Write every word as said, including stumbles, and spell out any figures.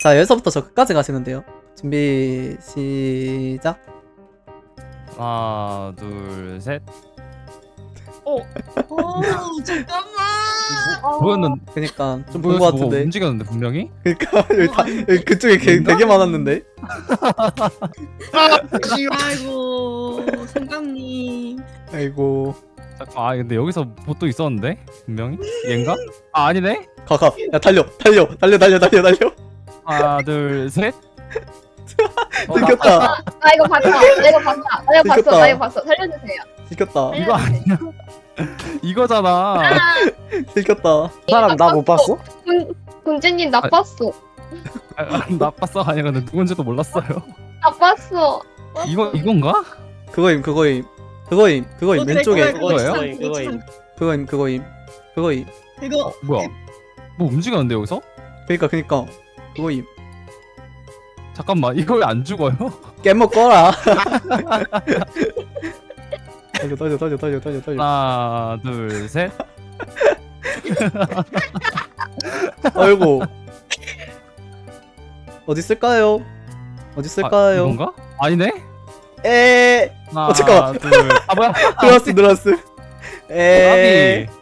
자, 여기서부터 저 끝까지 가시면 돼요. 준비 시작. 하나 둘 셋. 오 잠깐만. 보였는 그니까 좀 본 보여서 거 뭐가 같은데. 움직였는데 분명히. 그니까 여기 다 여기 그쪽에 개, 되게 많았는데. 아이고 생강님. 아이고. 잠깐 아 근데 여기서 보또 있었는데 분명히 얘인가? 아 아니네. 가가. 야 달려 달려 달려 달려 달려 달려. 하나 둘 셋. 어, 나- 들켰다. 나 이거 봤어. 나 이거 봤어. 나 이거 봤어. 들켰다. 나 이거 봤어. 살려주세요. 들켰다. 이거 아니야. 이거잖아. 들켰다. 그 사람 나 못 봤어? 군 군주님 나빴어. 아, 아, 나빴어 아니야 근데 누군지도 몰랐어요. 나빴어. 이거 이건가? 그거임 그거임 그거임 그거임 어, 그래, 왼쪽에 그거야, 그거예요? 그거 그거임, 그거 그거임 그거임 그거임. 이거 뭐야? 뭐 움직였는데 여기서? 그니까 그니까 그거임. 잠깐만 이거 왜 안 죽어요? 깨먹 꺼라. 달려 달려 달려 달려 달려 달려. 하나 둘 셋. 아이고. 어디 있을까요? 어디 아, 있을까요? 이건가? 아니네. 에 하나 어, 잠깐만. 둘. 아 뭐야? 들어왔어 들어왔어. 에 까비.